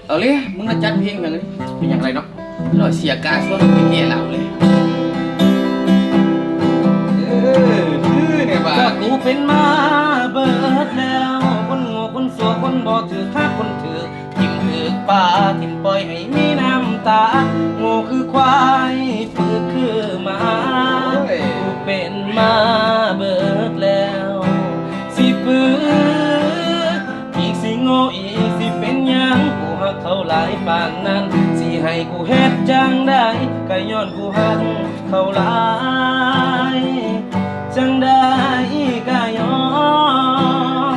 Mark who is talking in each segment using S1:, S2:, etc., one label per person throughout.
S1: เอาเลยมึงมาจัดเพลงกันเลยเป็นอย่างไรเนาะเราเสียการช่วงไปเกลี่ยเราเลยเนี่ยบ้า
S2: กูเป็นมาเบิดแล้วคนโง่คนสัวคนบ่ถือค่าคนถือทิ่มถือป่าทิ่มปล่อยให้มีน้ำตาโง่คือควายฝึกคือหมากูเป็นมาเบิดแล้วสิปื้ออีกสิโง่อีกสิเป็นยังกูหักเขาหลายปานนั้นสิให้กูเฮ็ดจังได้ก็ย้อนกูหักเขาหลายจังได้ก็ย้อน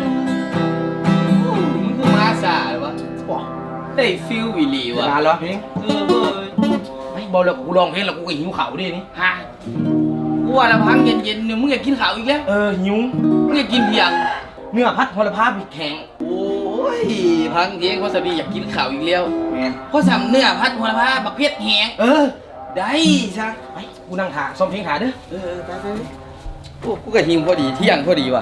S1: มึงคือมาสาหรือวะได้ฟิลวิลีวะ
S2: มาแล้วเพลงเว้ยไม่บอกแล้วกูลองเพลงแล้วกูก็หิวเขาดินี่
S1: ฮะกูว่าละพังเย็นๆเนี่ยมึงอยากกินข้าวอีกแล้ว
S2: หิว
S1: มึงอยากกินเพียง
S2: เนื้อพัดโหระพาพริกแข็ง
S1: โอ้ยพังเทียงเขาสบีอยากกินข้าวอีกแล้ว
S2: แมน
S1: เขาสั่งเนื้อพัดโหระพาบักเพชรแหงได้ซะ
S2: ไปกูนั่งถ่าซ้อมเพลงถ่าเด้อ
S1: ไปโอ้กูก็หิวพอดีเที่ยงพอดีว่ะ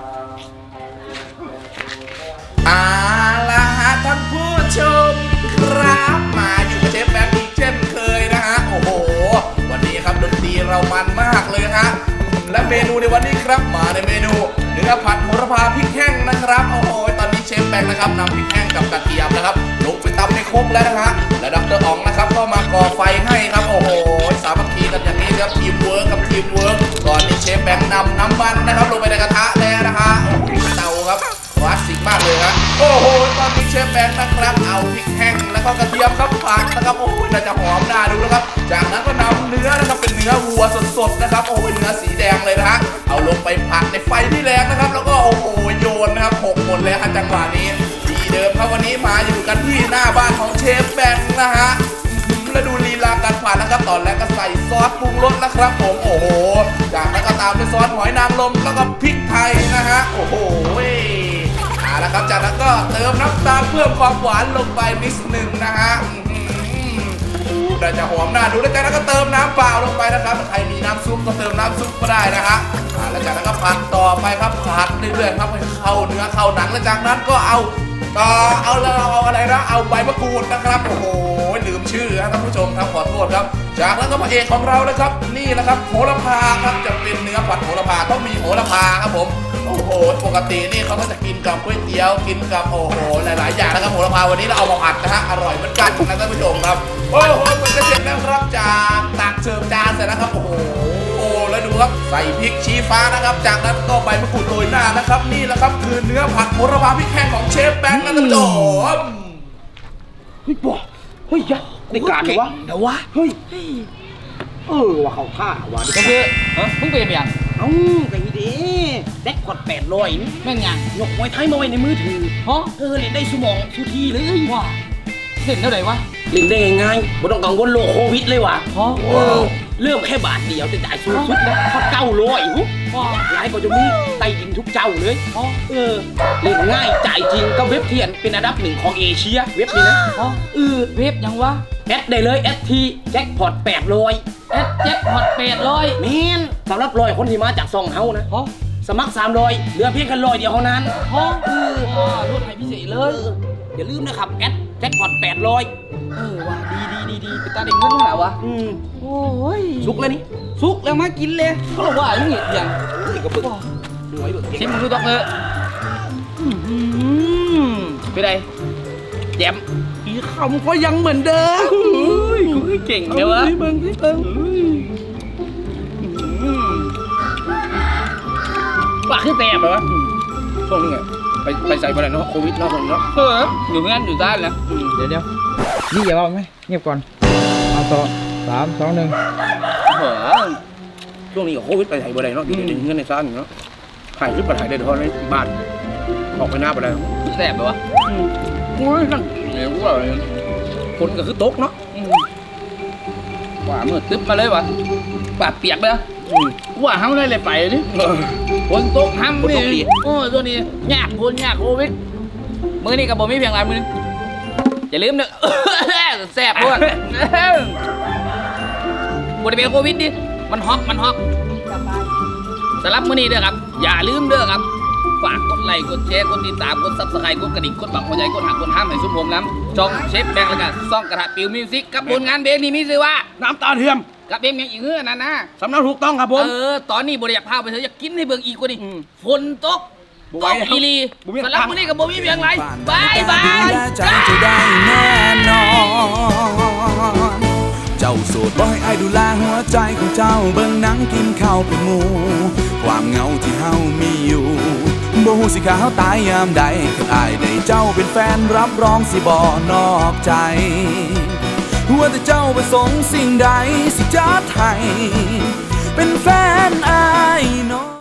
S3: ละฮะท่านผู้ชมครับมาอยู่กับเชฟแบงค์อีกเช่นเคยนะฮะโอ้โหวันนี้ครับดนตรีเรามันมากเลยฮะและเมนูในวันนี้ครับมาในเมนูเนื้อผัดโหระพาพริกแห้งนะครับโอ้โหตอนนี้เชฟแบงค์นะครับนำพริกแห้งกับกระเทียมนะครับลงไปตำในครกแล้วนะฮะและดร.อ๋องนะครับก็มาก่อไฟให้ครับโอ้โหสามัคคีกันอย่างนี้ครับทีมเวิร์กกับทีมเวิร์กก่อนนี้เชฟแบงค์นำน้ำมันนะครับลงไปในกระทะแล้วนะฮะโอ้โหเตาครับคลาสสิกมากเลยครับโอ้โหตอนนี้เชฟแบงค์นะครับเอาพริกแห้งแล้วก็กระเทียมครับผัดนะครับโอ้โหน่าจะหอมน่าดูนะครับจากนั้นก็นำเนื้อนะครับเป็นเนื้อวัวสดๆนะครับโอ้โหเนื้อสีแดงเลยนะฮะเอาลงไปผัดในไฟที่แรงนะครับแล้วก็โอ้โหโยนนะครับหกหมดเลยฮะจังหวะนี้ที่เดิมครับวันนี้มาอยู่กันที่หน้าบ้านของเชฟแบงค์นะฮะแล้วดูลีลาการผัดนะครับตอนแรกก็ใส่ซอสปรุงรสนะครับผมโอ้โหจากนั้นก็ตามด้วยซอสหอยนางรมแล้วก็พริกไทยนะฮะโอ้โหแล้วครับจากนั้นก็เติมน้ำตาลเพิ่มความหวานลงไปนิดหนึ่งนะฮะน่าจะหอมน่าดูแล้วจากนั้นก็เติมน้ำเปล่าลงไปนะครับใครมีน้ำซุปก็เติมน้ำซุปก็ได้นะฮะแล้วจากนั้นก็ผัดต่อไปครับผัดเรื่อยๆครับให้เข้าเนื้อเข้าหนังแล้วจากนั้นก็เอาอะไรนะเอาใบมะกรูดนะครับโอ้โหลืมชื่อครับท่านผู้ชมครับขอโทษครับจากนั้นก็พระเอกของเรานะครับนี่แหละครับโหระพาครับจะเป็นเนื้อผัดโหระพาต้องมีโหระพาครับผมโอ้โหปกตินี่เขาก็จะกินกับก๋วยเตี๋ยวกินกับโอ้โหหลายๆอย่างนะครับโหระพาวันนี้เราเอามาผัดนะฮะอร่อยเหมือนกันนะท่านผู้ชมครับโอ้โหมันจะเสร็จแล้วครับจากตักเสิร์ฟจานเสร็จแล้วครับโอ้โหแล้วดูครับใส่พริกชี้ฟ้านะครับจากนั้นก็ใบมะกรูดโรยหน้านะครับนี่แหละครับคือเนื้อผัดโหระพาพริกแห้งของเชฟแบงค์นะท่านผู้ชม
S2: เฮ้ยบอกเฮ้ยยัดในการเลยวะ
S1: เดี๋ยววะ
S2: เฮ้ยว่าเขาท่าว่ะ
S1: ก็คือมึงเป็นอย่าง
S2: ไงดีแดกกด800นี่
S1: แม่งยัง
S2: ยกมวยไทยมาไว้ในมือถือเล่นได้สมองทุกทีเลย
S1: ว้าเล่นเท่าไหร่วะ
S2: เล่นได้ง่ายๆไม่ต้องกังวลโรคโควิดเลยว่ะเริ่มแค่บาทเดียวจะจ่ายสูงสุดนะเขา900หลายกว่าจะมีไต่ดินทุกเจ้าเลยเล่นง่ายจ่ายจริงก็เว็บเทียนเป็นอันดับ1ของเอเชียเว็บนี้นะ
S1: เว็บยังวะ
S2: แอดได้เลยแทีแจ็คพอต800
S1: แจ็คพอต800
S2: แมนสำหรับ100คนที่มาจากซองเฮานะสมัคร300เหลือเพียงแค่100เดียวเท่านั้น
S1: ลดให้พิเศษเลย
S2: อย่าลืมนะครับแอดแจ็คพอต800
S1: ว่ะดีไปตาเด็กเงินเท่าไหร่วะโอ้ย
S2: สุกแล้วนี่
S1: สุกแล้วมากินเลยเขาบอกว่าอย่างงี้อย่าง
S2: ก็ปึ๊กหน่วย
S1: ชิมมึงดูตอกเลยไปไหนแย้ม
S2: อีคำก็ยังเหมือนเดิม
S1: กูเก่งเลยวะ
S2: เบิ้ง
S1: ปากขึ้นแตกเลยวะ
S2: ช่วงนี้ไงไปใส่ไปแล้วเนาะโควิดเนาะคนเนาะ
S1: อยู่งั้นอยู่ด้านแล้ว
S4: เดี๋ยวนี่อย่าบอกไหมเงียบก่อนเอาต่อ3 2 1
S2: ช่วงนี้โควิดไปถ่ายบ่ได้เนาะอยู่ในเงินในซ่านเนาะถ่ายคลิปไปถ่ายได้เท่านั้นบ้านออกไปหน้าไปได้
S1: แสบเลยวะ
S2: โอ้ยนั่นเนี่ยว่าคนก็คือตกเนาะ
S1: ว่ามือตึ๊บมาเลยวะปากเปียกเลยว่าห้ามเลยไปดิคนตกห้ามนี่ตัวนี้ยากโควิดมือนี่กับผมมีเพียงไรมืออย่าลืมเนอะแสบด้วยบริเวณโควิดดิมันฮอกสำหรับมื้อนี้เด้อครับอย่าลืมเด้อครับฝากกดไลค์กดแชร์กดติดตามกดซับสไครต์กดกระดิ่งกดบังหัวใจกดหักกดห้ามให้ชุมผมน้ำช่องเชฟแบงค์แล้วก็ซ่องกระทะปิวมิวสิกกับผลงานเพลงนี้มีชื่อว่า
S2: น้ำตาเทียม
S1: กับเพลงอย่างอีกเงื่อนนะ
S2: สำเนาถูกต้องครับผม
S1: ตอนนี้บริยากพาไปเถอะอยากกินให้เบิ่งอีกกว่านี้ฝนตก
S2: บ่
S1: ต
S2: ไหว
S1: ก
S2: แล้ว
S1: อีหลี
S2: บ่มี
S1: สำหรับมื้อนี้กับบ่มีเพียงไรบายบาย
S5: ใจจะได้แน่นอน เจ้าโสดบ่ให้อายดูแลหัวใจของเจ้าเบิ่งหนังกินข้าวเป็นหมู่ความเหงาที่เฮามีอยู่บ่ฮู้สิขาเฮาตายยามใดคันอายได้เจ้าเป็นแฟนรับรองสิบ่นอกใจว่าแต่เจ้าประสงค์สิ่งใดสิจัดให้เป็นแฟนอายเนาะ